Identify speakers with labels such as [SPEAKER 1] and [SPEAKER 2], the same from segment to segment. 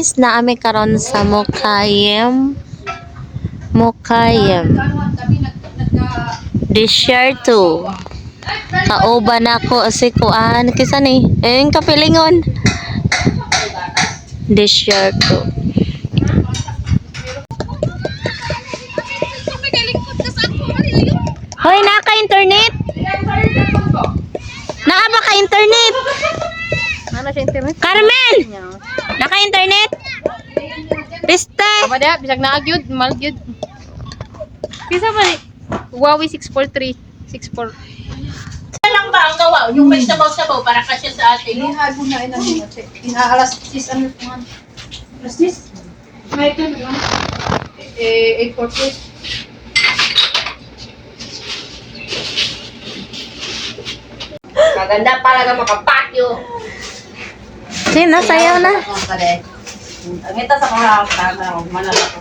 [SPEAKER 1] guys, naami karon sa Mukayem. This year too. Kauban ako si Kuan. Kisa ni? Yung kapilingon. This year too. Hoy, naka-internet? Naa ba ka-internet?
[SPEAKER 2] Ano siya internet?
[SPEAKER 1] Carmen! Naka-internet? Piste!
[SPEAKER 2] Kapag bisag na agyud, malagyud. Kisa ba ni? Huawei 643. 64.
[SPEAKER 3] lang ba ang gawa? Yung may sabaw-sabaw para kasya sa atin.
[SPEAKER 4] Inihago na ilang minutes. Inaalas 6 ano naman. Alas 6? May ito naman. 8:40.
[SPEAKER 3] Maganda pala makapatyo.
[SPEAKER 1] Sino? Sayaw na.
[SPEAKER 3] Ang ito sa mga manala ko.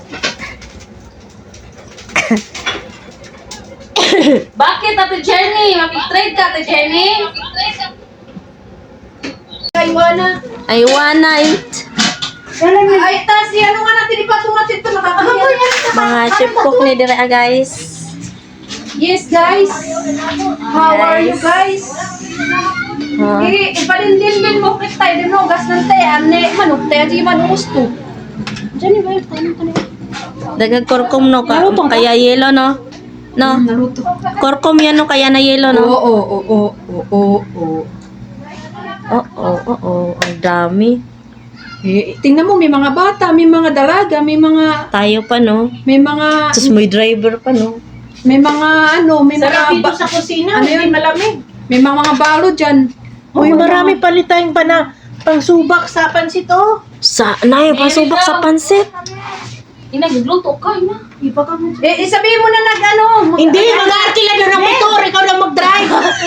[SPEAKER 3] Bakit, Ate Jenny? Makik-trade ka, Ate Jenny?
[SPEAKER 1] I wanna eat.
[SPEAKER 4] Ay, tas ano nga natin ipatumatid ito nakakahiya.
[SPEAKER 1] Mga chip cook ni Dira guys.
[SPEAKER 4] Yes, guys. How are you guys? Ipalinlin mo kit tayo din no gas ng tayo ane manok tayo di man gusto. Diyan ba yung paano kanina?
[SPEAKER 1] Dagag korkom no ka. Kaya yelo no. No.
[SPEAKER 4] Naruto.
[SPEAKER 1] Korkom yan no kaya na yelo no. Oo. Ang dami.
[SPEAKER 4] Tingnan mo, may mga bata, may mga dalaga, may mga
[SPEAKER 1] Tayo pa no. Tapos may driver pa no.
[SPEAKER 4] may mga
[SPEAKER 3] Sarap dito sa kusina,
[SPEAKER 4] Ano
[SPEAKER 3] hindi
[SPEAKER 4] yun?
[SPEAKER 3] malamig.
[SPEAKER 4] may mga balo diyan.
[SPEAKER 3] Uy, marami palitayong pa na pangsubak sa pansit, oh.
[SPEAKER 1] Sa nayo pasubok sa pansit.
[SPEAKER 3] Inagluto ka, ina.
[SPEAKER 4] Iba ka mo. Sabihin mo na
[SPEAKER 3] Hindi, mag-aarkila doon ang motor. Ikaw lang mag-drive.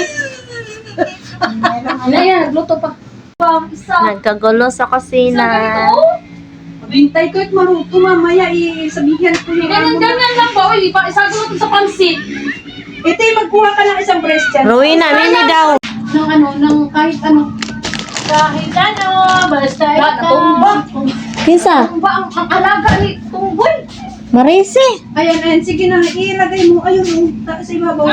[SPEAKER 4] Ano yan, nagluto pa.
[SPEAKER 1] Nagkagulo sa kusina.
[SPEAKER 4] Bintay ko at maluto mamaya, sabihin ko yung
[SPEAKER 3] Ganyan lang ba? Uy, isago mo sa pansit.
[SPEAKER 4] Ito yung magkuha ka ng isang breast dyan.
[SPEAKER 1] Rowena, mimi daw.
[SPEAKER 4] Ng kahit ano.
[SPEAKER 3] Kahit ano, basta
[SPEAKER 4] Tumba.
[SPEAKER 1] Kisa?
[SPEAKER 4] Tumba ang alaga ni Tunggoy.
[SPEAKER 1] Marisi.
[SPEAKER 4] Ayan, sige na, ilagay mo. Ayun, sa ibabaw.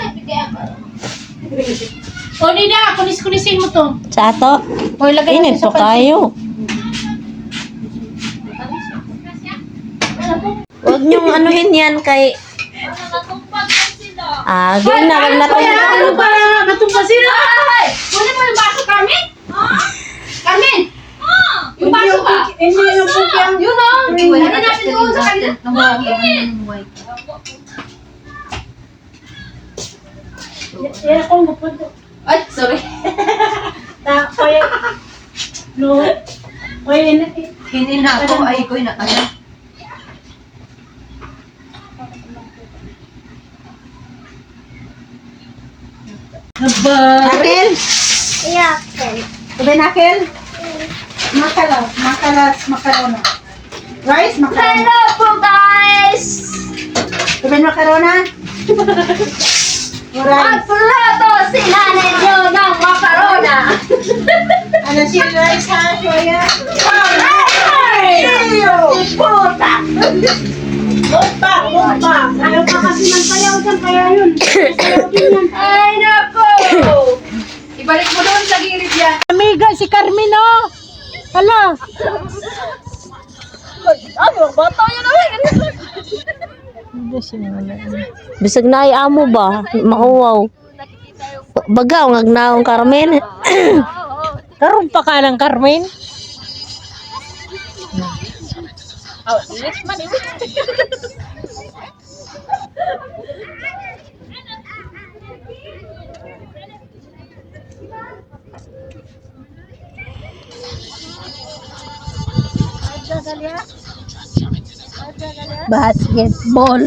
[SPEAKER 3] O, Nida, kunis-kunisin mo to.
[SPEAKER 1] Sa ato.
[SPEAKER 3] O, ilagay mo
[SPEAKER 1] Init
[SPEAKER 3] sa
[SPEAKER 1] to
[SPEAKER 3] pansit.
[SPEAKER 1] kayo. Huwag niyong anuhin yan kay... Gawin na, wag na to.
[SPEAKER 3] Ano ba? Matumpa sila! Kunin mo yung baso, Carmen? Carmen! Yung baso ba?
[SPEAKER 4] Hindi yung pukyang.
[SPEAKER 3] Yun o! Ano natin doon sa kanila? Ay, sorry.
[SPEAKER 4] Hindi na ako, ay ko na kaya. Akel?
[SPEAKER 1] Yeah.
[SPEAKER 4] Sabi na, Akel? Makarona. Rice, makarona.
[SPEAKER 1] Hello po guys!
[SPEAKER 4] Sabi makarona? Rice.
[SPEAKER 1] Plato si nanay nyo ng makarona!
[SPEAKER 4] Ano si rice ha? Kuya?
[SPEAKER 1] Puta!
[SPEAKER 4] Lumpa. Ayaw pa kasi ng sayaw dyan, kaya yun. Sayaw din yan.
[SPEAKER 1] Ay nako!
[SPEAKER 4] Ibalik mo doon sa gilid yan.
[SPEAKER 3] Amiga, si Carmen, oh! Hala!
[SPEAKER 1] Bisag na ay amo ba? Mauwaw. Bagaw ngagnaong Carmen.
[SPEAKER 3] Karoon pa ka ng Carmen?
[SPEAKER 1] Basketball.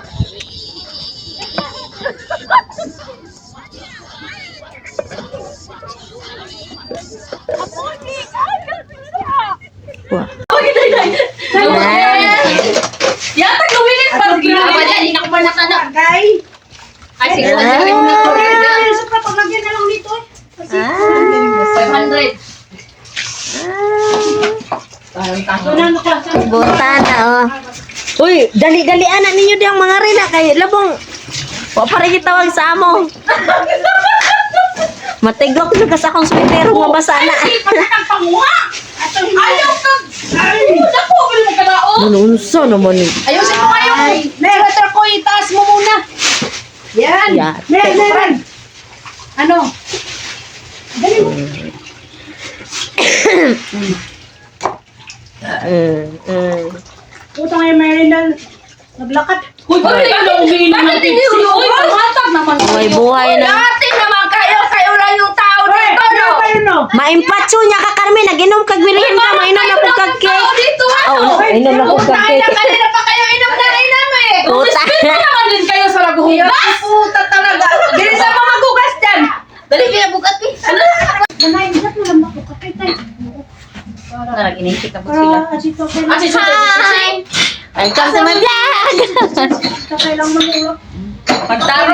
[SPEAKER 1] Wah.
[SPEAKER 3] Yata gawin pa. Ginawa niya, hindi na ko pa nakanak.
[SPEAKER 4] Kay?
[SPEAKER 3] Ay, sige.
[SPEAKER 4] Sa papaglagyan na lang dito eh.
[SPEAKER 3] 500.
[SPEAKER 1] Ah. Butana, oh. Uy, dali-dalian na ninyo diyang mga rina kay labong. Wa pa rin gitawag sa amo. Matiglok na kas akong sweater nga basa na.
[SPEAKER 3] Ayaw ka! Ay! Naku, bali mo kadaon!
[SPEAKER 1] Manunsa naman ni.
[SPEAKER 3] Ayusin mo kayo! Sweater ko, itaas mo muna! Yan!
[SPEAKER 1] Yate.
[SPEAKER 3] Meron! Ano? Dali mo! Puta nga yung Merindal. Naglakad. Uy, ano umiinom ng tipsy? Uy, pamatag naman.
[SPEAKER 1] May buhay na.
[SPEAKER 3] Dati naman kayo lang yung tao dito, no?
[SPEAKER 1] Maimpatso niya ka Carmen, naginom kag bilihin ka, mainom na pug kag
[SPEAKER 3] Tao
[SPEAKER 1] cake.
[SPEAKER 3] dito,
[SPEAKER 1] Oh, mainom na pug kag
[SPEAKER 3] Tayo na
[SPEAKER 1] cake.
[SPEAKER 3] kanina pa kayo inom na eh.
[SPEAKER 1] Puta.
[SPEAKER 3] naman din kayo sa naghuhugas. Puta talaga. Dili sa mga magugas dyan. Dali kaya bukat eh. Nanay, bigat mo lang mabukat. Tay.
[SPEAKER 1] Nag-inisip ka sila.
[SPEAKER 3] Hi!
[SPEAKER 1] Welcome to my vlog.
[SPEAKER 3] Kakay lang manulog.
[SPEAKER 1] Pagtaro.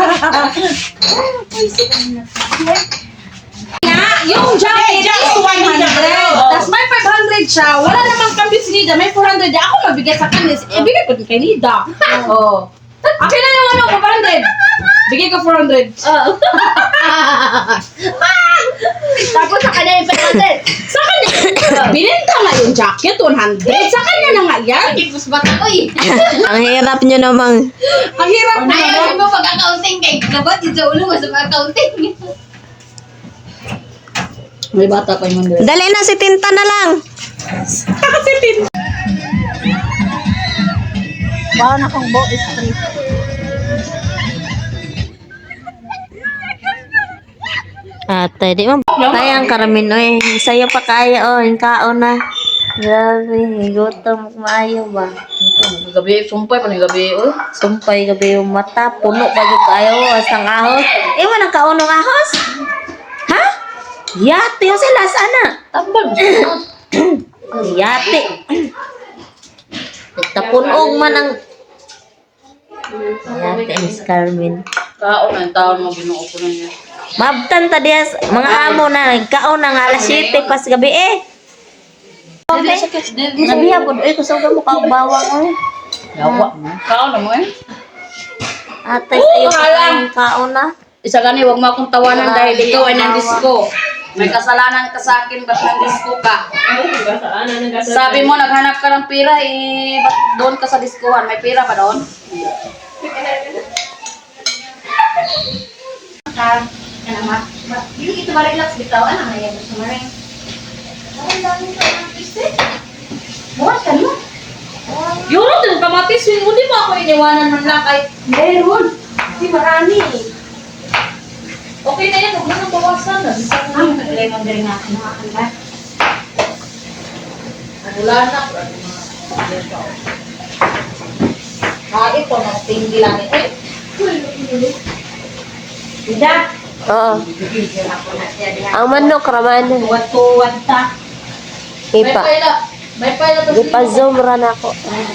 [SPEAKER 3] Yung jacket is 100. Tapos may 500 siya. Wala namang kambyo si Nida. May 400. Ako mabigay sa kanya. Ibigay ko din kay Nida. Oo. Akin na yung ano, 500. Bigay ko 400. Tapos sa kanya yung 500. Sa kanya. Bininta nga yung jacket, 100. Sa kanya na nga yan. Tipos bata ko eh.
[SPEAKER 1] Ang hirap nyo namang.
[SPEAKER 3] Ang hirap na
[SPEAKER 2] Ayaw mo pag-accounting kay dapat dito ulo mo sa accounting.
[SPEAKER 3] May bata pa yung 100.
[SPEAKER 1] Dali na si Tinta na lang.
[SPEAKER 3] Kasi tin.
[SPEAKER 4] Bawang akong bo street.
[SPEAKER 1] Ate, di mo kayang Carmen, oy. Sa'yo pa kaya, oh. Yung kaon na. Grabe, gutom maayo ba?
[SPEAKER 3] Gabi, sumpay pa ng gabi, oh.
[SPEAKER 1] Sumpay gabi yung mata, puno pa yung kayo, asang ahos. Iwan ang kaunong ahos? Ha? Yate yung sila, sana.
[SPEAKER 3] Tambal mo.
[SPEAKER 1] Yate. Tapunog man ang... Yate, Miss Carmen.
[SPEAKER 3] Kaon na yung taon mo, binuo ko na niya.
[SPEAKER 1] Mabtan ta diya, mga amo na, nagkaon na nga alas 7 pas gabi eh. Nabiya po, ko sa mo ka bawang eh.
[SPEAKER 3] Yawa mo. Kaon na mo eh.
[SPEAKER 1] Ate, sa'yo pa kayong kaon na.
[SPEAKER 3] Isa gani, huwag mo akong tawanan dahil ikaw ay nandisco. May kasalanan ka sa akin, ba't nandisco ka? Sabi mo, naghanap ka ng pira, eh, ba't doon ka sa diskohan? May pira ba doon?
[SPEAKER 2] Yung ito ma-relax bitaw, ano na yan gusto mo rin? Ang dami ka ng piste. Bukas ka no?
[SPEAKER 3] Yun, din kamatis, hindi mo ako iniwanan man lang kahit
[SPEAKER 4] Meron. Kasi marami.
[SPEAKER 3] okay na yan, huwag mo nang bawasan.
[SPEAKER 2] Ang lemon din natin mga kanila.
[SPEAKER 3] Wala na. Kahit po, tinggi lang eh.
[SPEAKER 4] Ida.
[SPEAKER 1] Oo. Ang manok raman.
[SPEAKER 4] Tuwad ta.
[SPEAKER 1] Ipa.
[SPEAKER 3] May pala to.
[SPEAKER 1] Ipa-zoom ran ako.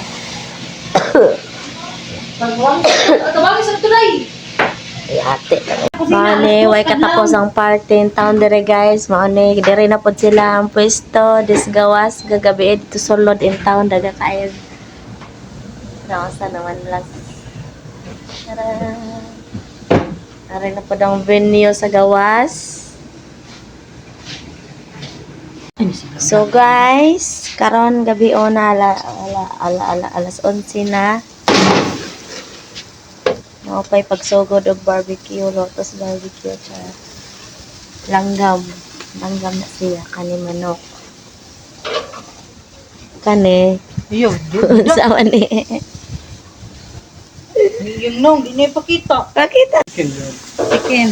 [SPEAKER 3] Tabangin sa tulay.
[SPEAKER 1] Ate. Maone, way katapos ang party in town dire guys. Maone, dire na pod sila ang pwesto. Disgawas, gagabi dito sulod in town. Daga kayo. Nakasa naman lang. Tara. Tara na pod ang venue sa gawas. So guys, karon gabi na alas 11 na. Maupay pagsugod og barbecue, lotus barbecue sa langgam. Langgam na siya kani manok. Kani.
[SPEAKER 4] Yo,
[SPEAKER 1] Sama ni.
[SPEAKER 4] yung nong, di na ipakita.
[SPEAKER 1] Pakita.
[SPEAKER 4] Chicken.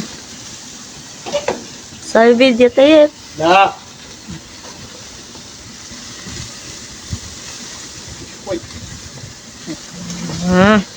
[SPEAKER 1] Sa video tayo.
[SPEAKER 5] Da.
[SPEAKER 1] Hmm.